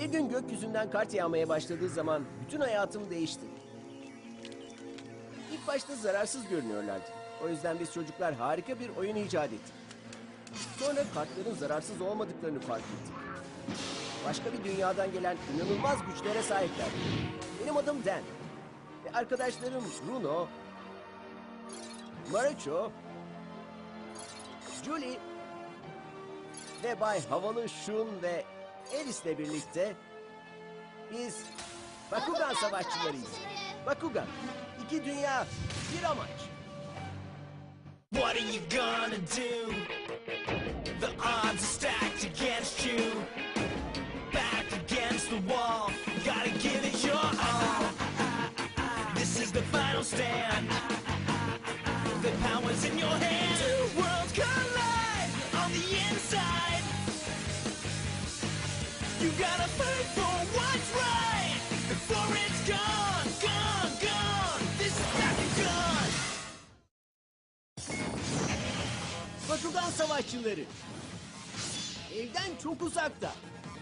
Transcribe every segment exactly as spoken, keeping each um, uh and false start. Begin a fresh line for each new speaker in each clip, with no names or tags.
Bir gün gökyüzünden kart yağmaya başladığı zaman bütün hayatım değişti. İlk başta zararsız görünüyorlardı. O yüzden biz çocuklar harika bir oyun icat ettik. Sonra kartların zararsız olmadıklarını fark ettik. Başka bir dünyadan gelen inanılmaz güçlere sahipler. Benim adım Dan. Ve arkadaşlarım Bruno, Marucho, Julie ve Bay Havalı Shun ve Alice'le birlikte biz Bakugan savaşçılarıyız. Bakugan, iki dünya, bir amaç.
What are you gonna do? The odds are stacked against you. Back against the wall, gotta give it your all. This is the final stand. The power's in your hands. Two worlds collide on the inside. You gotta fight for what's right before it's gone, gone, gone. This is Bakugan.
Bakugan savaşçıları. Evden çok uzakta.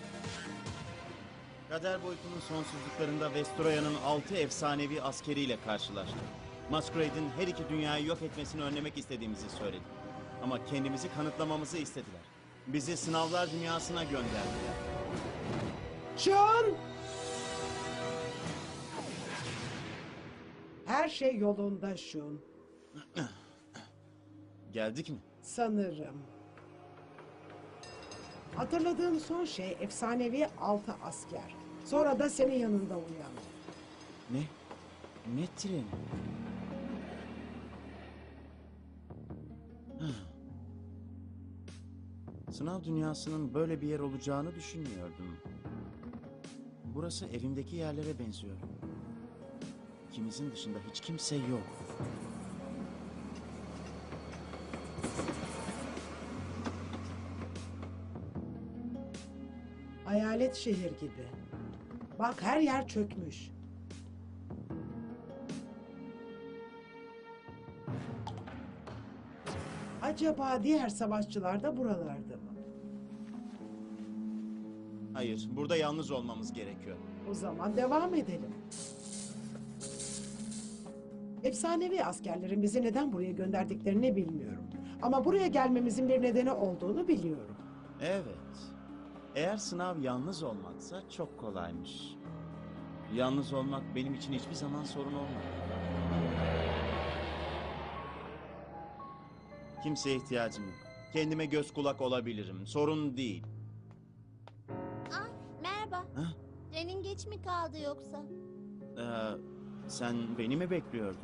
Kader boyutunun sonsuzluklarında Vestroya'nın altı efsanevi askeriyle karşılaştık. Masquerade'in her iki dünyayı yok etmesini önlemek istediğimizi söyledik. Ama kendimizi kanıtlamamızı istediler. Bizi sınavlar dünyasına gönderdiler.
Şun! Her şey yolunda Şun.
Geldik mi?
Sanırım. Hatırladığım son şey efsanevi altı asker. Sonra da senin yanında uyandı.
Ne? Ne treni? Sınav dünyasının böyle bir yer olacağını düşünmüyordum. Burası evimdeki yerlere benziyor. İkimizin dışında hiç kimse yok.
Hayalet şehir gibi. Bak her yer çökmüş. Acaba diğer savaşçılar da buralarda mı?
Hayır, burada yalnız olmamız gerekiyor.
O zaman devam edelim. Efsanevi askerlerin bizi neden buraya gönderdiklerini bilmiyorum. Ama buraya gelmemizin bir nedeni olduğunu biliyorum.
Evet. Eğer sınav yalnız olmaksa çok kolaymış. Yalnız olmak benim için hiçbir zaman sorun olmadı. Kimseye ihtiyacım yok. Kendime göz kulak olabilirim. Sorun değil.
Ay, merhaba.
Ha?
Trenin geç mi kaldı yoksa?
Ee, sen beni mi bekliyordun?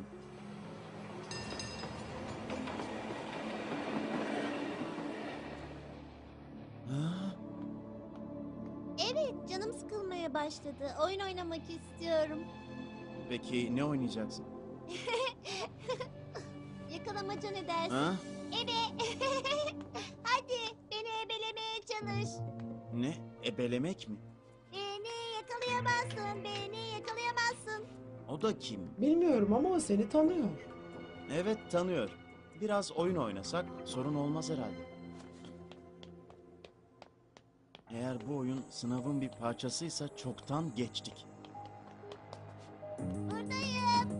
Ha?
Evet, canım sıkılmaya başladı. Oyun oynamak istiyorum.
Peki ne oynayacaksın?
Yakalamaca ne dersin?
Ha?
Ebe. Hadi beni ebelemeye çalış.
Ne? Ebelemek mi?
Beni yakalayamazsın, beni yakalayamazsın.
O da kim?
Bilmiyorum ama o seni tanıyor.
Evet, tanıyor. Biraz oyun oynasak sorun olmaz herhalde. Eğer bu oyun sınavın bir parçasıysa çoktan geçtik.
Buradayım.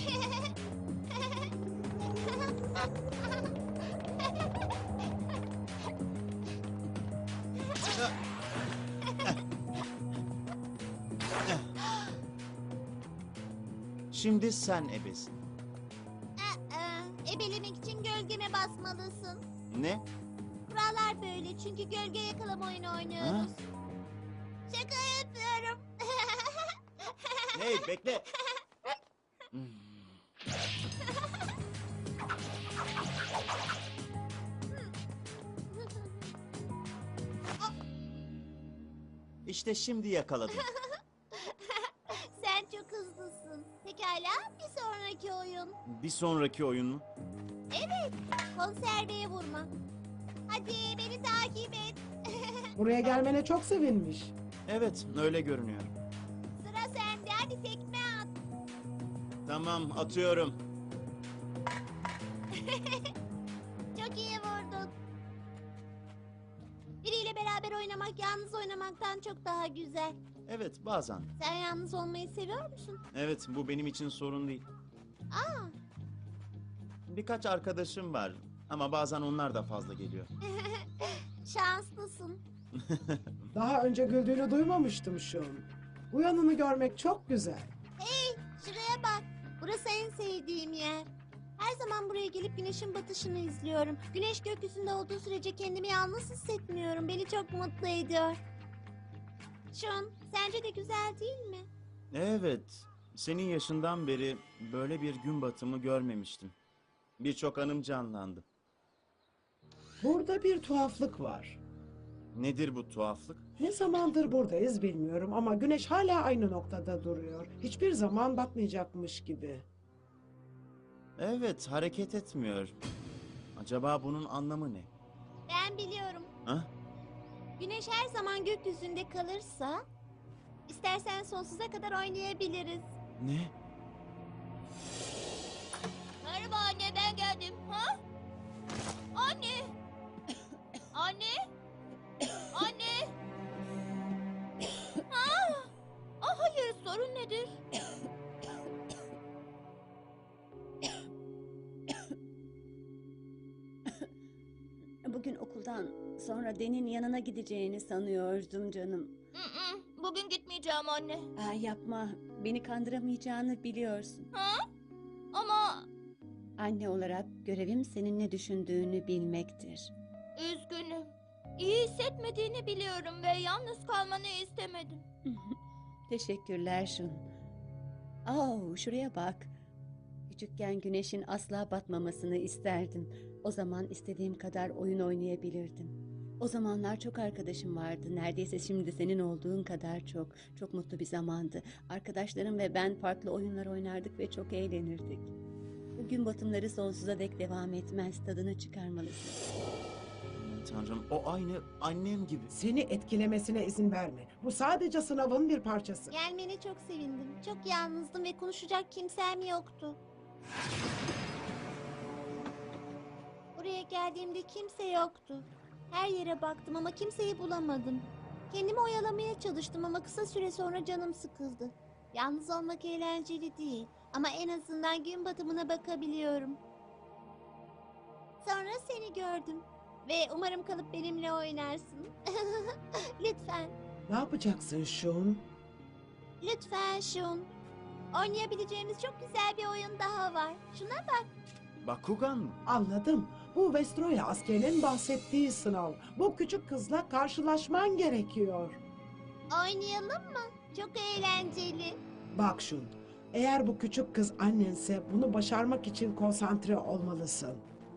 Şimdi sen ebesin.
Aa, ebelemek için gölgeme basmalısın.
Ne?
Kurallar böyle çünkü gölge yakalama oyunu oynuyoruz. Şaka yapıyorum.
Hey bekle. Hmm. İşte şimdi yakaladım.
Sen çok hızlısın. Pekala bir sonraki oyun.
Bir sonraki oyun mu?
Evet, konserveye vurma. Hadi beni takip et.
Buraya gelmene çok sevinmiş.
Evet, öyle görünüyor.
Sıra sende, hadi tekme at.
Tamam, atıyorum.
Çok iyi vurdun. Biriyle beraber oyun oynamak yalnız oynamaktan çok daha güzel.
Evet, bazen.
Sen yalnız olmayı seviyor musun?
Evet, bu benim için sorun değil.
Aa,
Birkaç arkadaşım var ama bazen onlar da fazla geliyor.
şanslısın.
Daha önce güldüğünü duymamıştım Şun. Bu yanını görmek çok güzel.
Hey, şuraya bak. Burası en sevdiğim yer. Her zaman buraya gelip güneşin batışını izliyorum. Güneş gökyüzünde olduğu sürece kendimi yalnız hissetmiyorum. Beni çok mutlu ediyor. Şun, sence de güzel değil mi?
Evet, senin yaşından beri böyle bir gün batımı görmemiştim. Birçok anım canlandı.
Burada bir tuhaflık var.
Nedir bu tuhaflık?
Ne zamandır buradayız bilmiyorum ama güneş hala aynı noktada duruyor. Hiçbir zaman batmayacakmış gibi.
Evet, hareket etmiyor. Acaba bunun anlamı ne?
Ben biliyorum.
Ha?
Güneş her zaman gökyüzünde kalırsa... istersen sonsuza kadar oynayabiliriz.
Ne?
Merhaba anne, ben geldim. Ha? Anne! Anne! Anne! Ha? Ah, hayır, sorun nedir?
Bugün okuldan sonra Den'in yanına gideceğini sanıyordum canım.
Bugün gitmeyeceğim anne.
Aa, yapma, beni kandıramayacağını biliyorsun.
Ha? Ama
Anne olarak görevim senin ne düşündüğünü bilmektir.
üzgünüm. İyi hissetmediğini biliyorum ve yalnız kalmanı istemedim.
Teşekkürler Şun. Oh, şuraya bak. Küçükken güneşin asla batmamasını isterdim. O zaman istediğim kadar oyun oynayabilirdim. O zamanlar çok arkadaşım vardı. Neredeyse şimdi senin olduğun kadar çok. Çok mutlu bir zamandı. Arkadaşlarım ve ben farklı oyunlar oynardık ve çok eğlenirdik. Bu gün batımları sonsuza dek devam etmez. Tadını çıkarmalısın.
Tanrım, o aynı annem gibi.
Seni etkilemesine izin verme. Bu sadece sınavın bir parçası.
Gelmene çok sevindim. Çok yalnızdım ve konuşacak kimsem yoktu. Buraya geldiğimde kimse yoktu. Her yere baktım ama kimseyi bulamadım. Kendimi oyalamaya çalıştım ama kısa süre sonra canım sıkıldı. Yalnız olmak eğlenceli değil ama en azından gün batımına bakabiliyorum. Sonra seni gördüm ve umarım kalıp benimle oynarsın. Lütfen,
Ne yapacaksın Şun?
lütfen Şun. Oynayabileceğimiz çok güzel bir oyun daha var. Şuna bak.
Bakugan mı?
Anladım. Bu Vestroya askerinin bahsettiği sınav. Bu küçük kızla karşılaşman gerekiyor.
Oynayalım mı? Çok eğlenceli.
Bak Şun, eğer bu küçük kız annense bunu başarmak için konsantre olmalısın.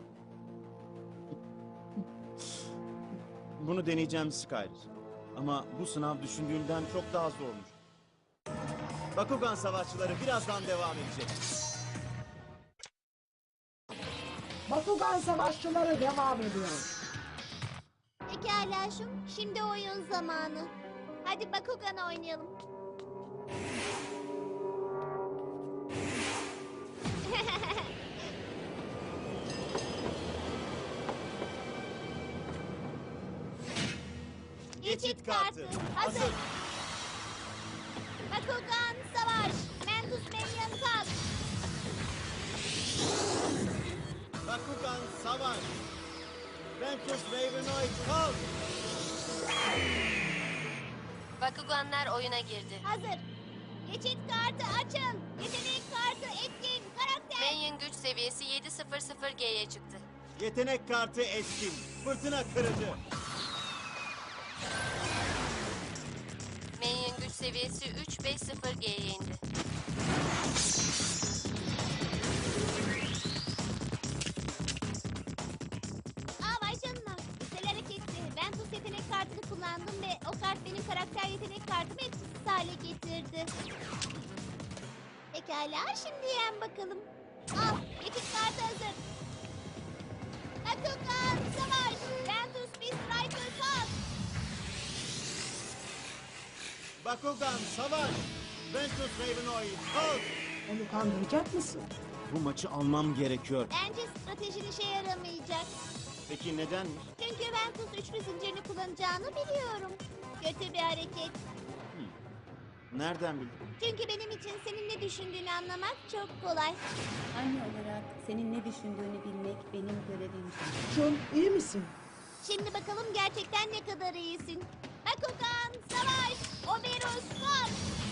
Bunu deneyeceğim Skyler. Ama bu sınav düşündüğümden çok daha zormuş. Bakugan savaşçıları birazdan devam edecek.
Bakugan savaşçıları devam ediyor.
Pekala Şun, şimdi oyun zamanı. Hadi Bakugan oynayalım. Geçit kartı hazır. Bakugan savaş. Mentus Minion kalk.
Bakugan savaş. Ventus Ravenoid kalk.
Bakuganlar oyuna girdi.
Hazır. Geçit kartı açın. Yetenek kartı etkin. Karakter.
Minion güç seviyesi yedi sıfır sıfır G'ye çıktı.
Yetenek kartı etkin. Fırtına kırıcı.
Minion güç seviyesi üç beş sıfır G'ye indi.
Aa vay canına. Güzel hareketti. Ben tuz yetenek kartını kullandım ve o kart benim karakter yetenek kartımı etkisiz hale getirdi. Pekala şimdi yen bakalım. Al geçit kartı hazır. Bakugan savaş. Ventus Beast Striker kalk.
Bakugan savaş. Ventus Ravenoid kalk.
Onu kandıracak mısın?
Bu maçı almam gerekiyor.
Bence stratejin işe yaramayacak.
Peki nedenmiş?
Çünkü Ventus üçlü zincirini kullanacağını biliyorum. Kötü bir hareket.
Nereden bildin?
Çünkü benim için senin ne düşündüğünü anlamak çok kolay.
Anne olarak senin ne düşündüğünü bilmek benim görevim.
Şun, iyi misin?
Şimdi bakalım gerçekten ne kadar iyisin. Bakugan, savaş! Oberus, kalk!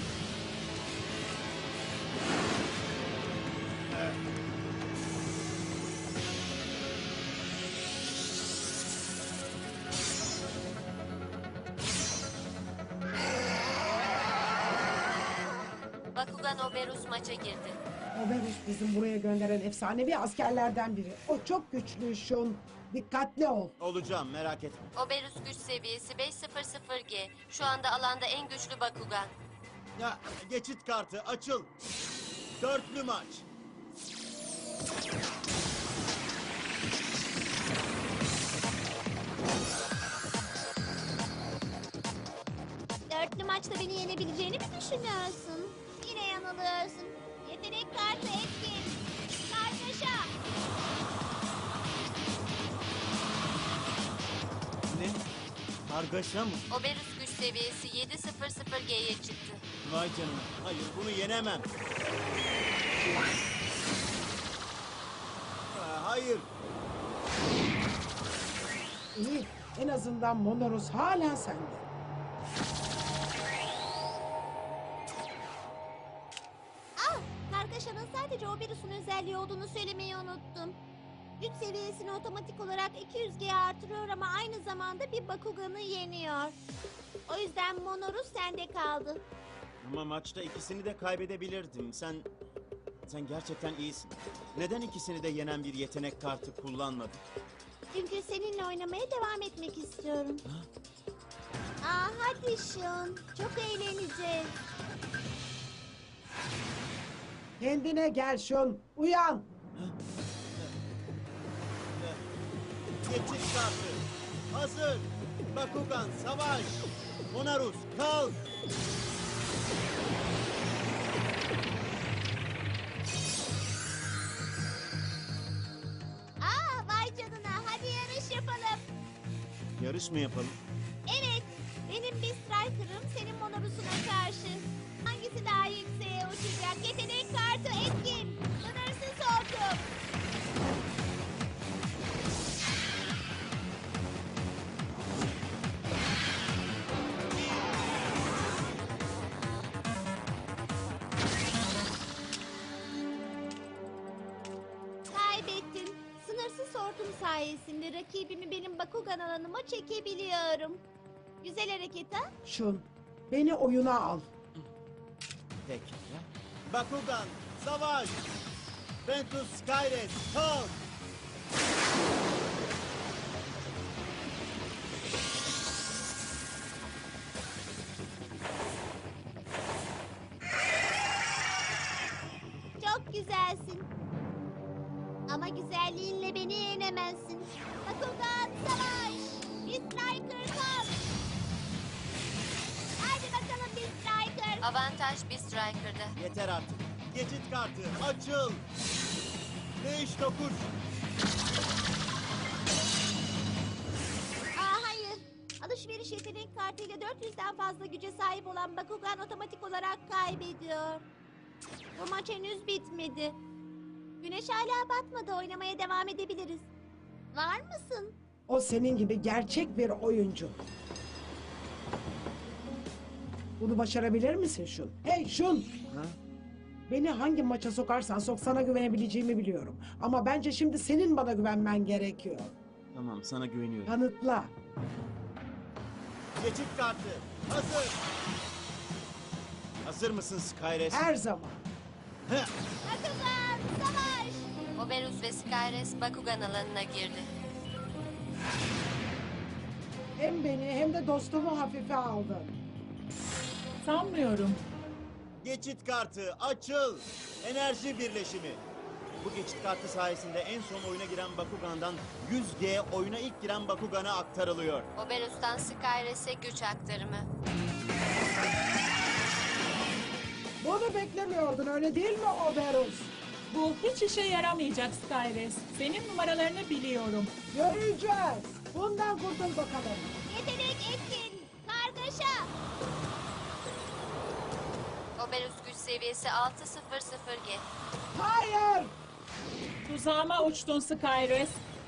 Bakugan Oberus maça girdi.
Oberus bizim buraya gönderen efsanevi askerlerden biri. O çok güçlü Şun. Dikkatli ol.
Olacağım, merak etme.
Oberus güç seviyesi beş yüz G. Şu anda alanda en güçlü Bakugan.
Ya, geçit kartı açıl. Dörtlü maç.
Dörtlü maçta beni yenebileceğini mi düşünüyorsun? Yine yanılıyorsun. Yetenek kartı etkin. Kargaşa!
Ne? Kargaşa mı?
Oberus güç seviyesi yedi yüz G'ye çıktı.
Vay canına. Hayır, bunu yenemem. Aa, hayır.
İyi. En azından Monorus hala sende.
Ah! Kargaşanın sadece Oberus'un özelliği olduğunu söylemeyi unuttum. Güç seviyesini otomatik olarak iki yüz G'ye artırıyor ama aynı zamanda bir Bakugan'ı yeniyor. O yüzden Monorus sende kaldı.
Ama maçta ikisini de kaybedebilirdim. Sen... Sen gerçekten iyisin. Neden ikisini de yenen bir yetenek kartı kullanmadın?
Çünkü seninle oynamaya devam etmek istiyorum. Aa, hadi Şun. Çok eğleneceğiz.
Kendine gel Şun. Uyan.
Geçit kartı. Hazır. Bakugan savaş. Monarus kalk.
Aa, vay canına. Hadi yarış yapalım.
Yarış mı yapalım?
Evet. Benim bir striker'ım senin Monorus'una karşı. Hangisi daha yükseğe uçacak? Yetenek kartı etkin. Sınırsız hortum. Kaybettim. Sınırsız hortum sayesinde rakibimi benim Bakugan alanıma çekebiliyorum. Güzel hareket ha?
Şun, beni oyuna al.
Peki. Bakugan savaş. Ventus Skyres kalk.
Çok güzelsin. Ama güzelliğinle beni yenemezsin. Bakugan savaş! Bir striker kalk! Hadi bakalım bir striker!
Avantaj bir Striker'da.
Yeter artık. Geçit kartı açıl. Değiş tokuş.
Aa hayır. Alışveriş yetenek kartıyla dört yüzden fazla güce sahip olan Bakugan otomatik olarak kaybediyor. Bu maç henüz bitmedi. Güneş hala batmadı. Oynamaya devam edebiliriz. Var mısın?
O senin gibi gerçek bir oyuncu. Bunu başarabilir misin Şun? Hey Şun!
Ha?
Beni hangi maça sokarsan sok sana güvenebileceğimi biliyorum. Ama bence şimdi senin bana güvenmen gerekiyor.
Tamam, sana güveniyorum.
Kanıtla.
Geçit kartı hazır. Hazır mısın Skyres?
Her zaman.
Heh.
Bakugan savaş!
Oberus ve Skyres Bakugan alanına girdi.
Hem beni hem de dostumu hafife aldın.
Sanmıyorum.
Geçit kartı açıl. Enerji birleşimi. Bu geçit kartı sayesinde en son oyuna giren Bakugan'dan yüz G oyuna ilk giren Bakugan'a aktarılıyor.
Oberus'tan Skyres'e güç aktarımı.
Bunu beklemiyordun öyle değil mi Oberus?
Bu hiç işe yaramayacak Skyres. Senin numaralarını biliyorum.
Göreceğiz. Bundan kurtul bakalım.
Yetenek etkin. Kargaşa.
Oberus güç seviyesi altı sıfır sıfır G.
Hayır.
Tuzağıma uçtun Skyres.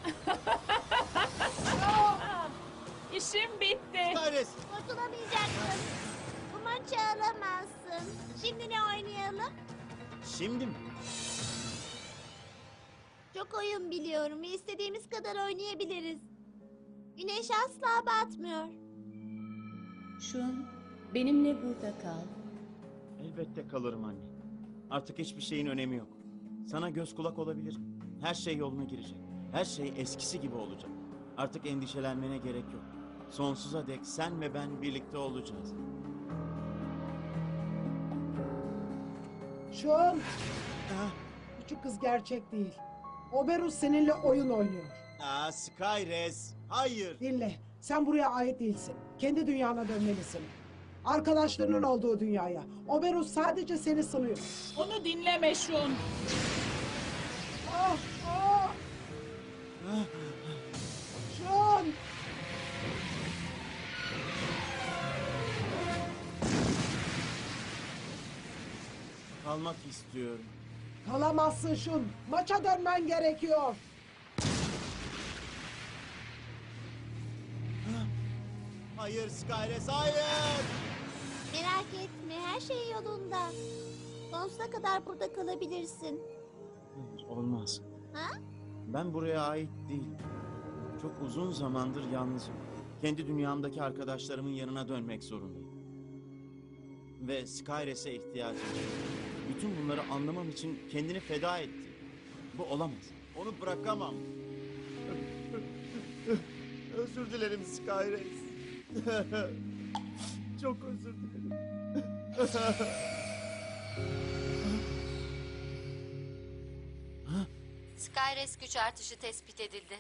İşim bitti.
Skyres!
Kurtulamayacaksın. Bu maçı alamazsın. Şimdi ne oynayalım?
Şimdi mi?
Çok oyun biliyorum ve istediğimiz kadar oynayabiliriz. Güneş asla batmıyor.
Şun, benimle burada kal.
Elbette kalırım anne. Artık hiçbir şeyin önemi yok. Sana göz kulak olabilirim. Her şey yoluna girecek. Her şey eskisi gibi olacak. Artık endişelenmene gerek yok. Sonsuza dek sen ve ben birlikte olacağız.
Şun. Küçük kız gerçek değil. Oberus seninle oyun oynuyor.
Aa, Skyres! Hayır!
Dinle. Sen buraya ait değilsin. Kendi dünyana dönmelisin. Arkadaşlarının olduğu dünyaya. Oberus sadece seni sınıyor.
Onu dinleme Şun.
Ah, ah. Şun.
Kalmak istiyorum.
Kalamazsın Şun. Maça dönmen gerekiyor.
Hayır Skyres, hayır!
Merak etme, her şey yolunda. Sonsuza kadar burada kalabilirsin.
Hayır, olmaz.
Ha?
Ben buraya ait değilim. Çok uzun zamandır yalnızım. Kendi dünyamdaki arkadaşlarımın yanına dönmek zorundayım. Ve Skyres'e ihtiyacım var. Bütün bunları anlamam için kendini feda etti. Bu olamaz. Onu bırakamam. Özür dilerim Skyres. Çok özür dilerim.
Skyres güç artışı tespit edildi.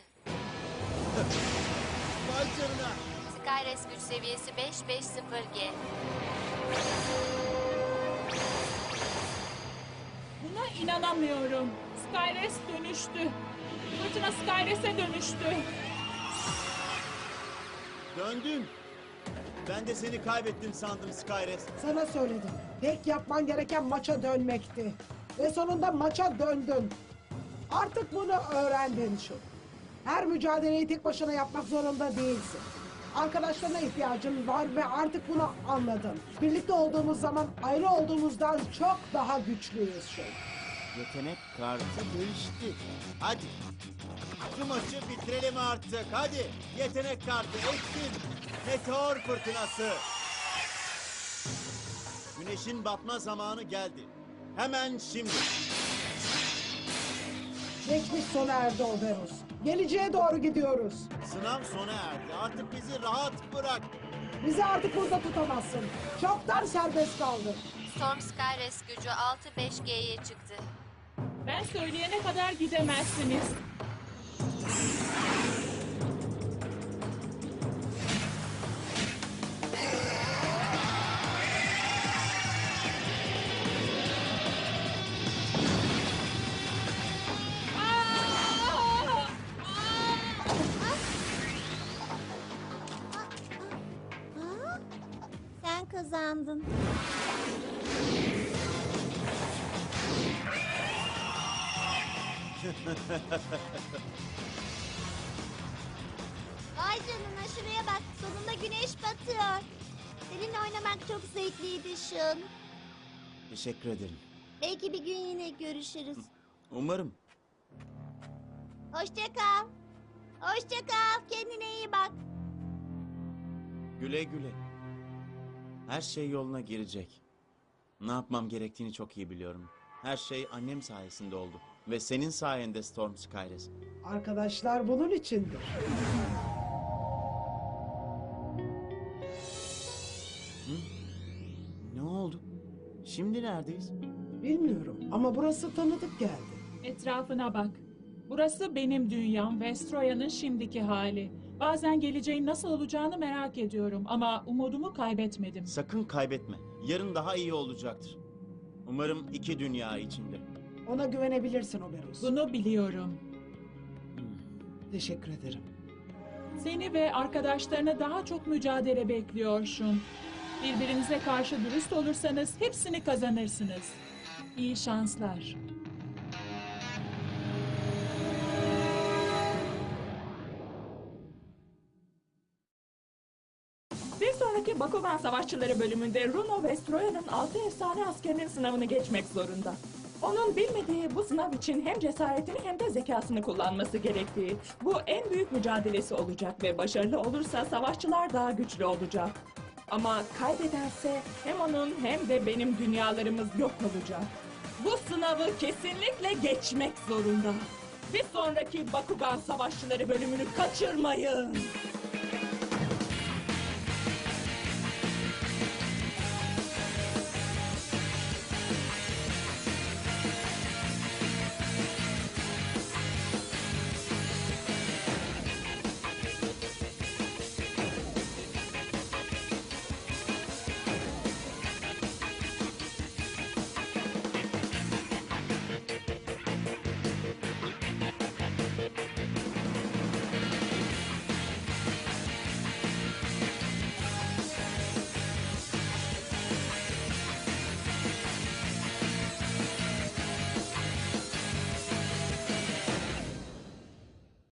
Vay canına.
Skyres güç seviyesi beş beş sıfır G.
Buna inanamıyorum. Skyres dönüştü. Fırtına Skyres'e dönüştü.
Döndüm. Ben de seni kaybettim sandım Skyres.
Sana söyledim. Tek yapman gereken maça dönmekti. Ve sonunda maça döndün. Artık bunu öğrendin Şun. Her mücadeleyi tek başına yapmak zorunda değilsin. Arkadaşlarına ihtiyacın var ve artık bunu anladın. Birlikte olduğumuz zaman ayrı olduğumuzdan çok daha güçlüyüz Şun.
Yetenek kartı değişti. Hadi. Şu maçı bitirelim artık. Hadi. Yetenek kartı etkin. Meteor fırtınası. Güneşin batma zamanı geldi. Hemen şimdi.
Geçmiş sona erdi Oberus. Geleceğe doğru gidiyoruz.
Sınav sona erdi. Artık bizi rahat bırak.
Bizi artık burada tutamazsın. Çoktan serbest kaldın.
Storm Skyres gücü altı beş G'ye çıktı.
Ben söyleyene kadar gidemezsiniz.
Ha? Sen kazandın. Vay canına, şuraya bak. Sonunda güneş batıyor. Seninle oynamak çok zevkliydi Şun.
Teşekkür ederim.
Belki bir gün yine görüşürüz.
Umarım.
Hoşça kal. Hoşça kal. Kendine iyi bak.
Güle güle. Her şey yoluna girecek. Ne yapmam gerektiğini çok iyi biliyorum. Her şey annem sayesinde oldu. Ve senin sayende Storm Skyres.
Arkadaşlar bunun içindir.
Ne oldu? Şimdi neredeyiz?
Bilmiyorum ama burası tanıdık geldi.
Etrafına bak. Burası benim dünyam ve Stroya'nın şimdiki hali. Bazen geleceğin nasıl olacağını merak ediyorum ama umudumu kaybetmedim.
Sakın kaybetme. Yarın daha iyi olacaktır. Umarım iki dünya içinde.
Ona güvenebilirsin Oberus.
Bunu biliyorum.
Teşekkür ederim.
Seni ve arkadaşlarına daha çok mücadele bekliyor Şun. Birbirinize karşı dürüst olursanız hepsini kazanırsınız. İyi şanslar.
Bir sonraki Bakugan Savaşçıları bölümünde Runo Vestroya'nın altı efsane askerinin sınavını geçmek zorunda. Onun bilmediği bu sınav için hem cesaretini hem de zekasını kullanması gerektiği. Bu en büyük mücadelesi olacak ve başarılı olursa savaşçılar daha güçlü olacak. Ama kaybederse hem onun hem de benim dünyalarımız yok olacak. Bu sınavı kesinlikle geçmek zorunda. Bir sonraki Bakugan Savaşçıları bölümünü kaçırmayın.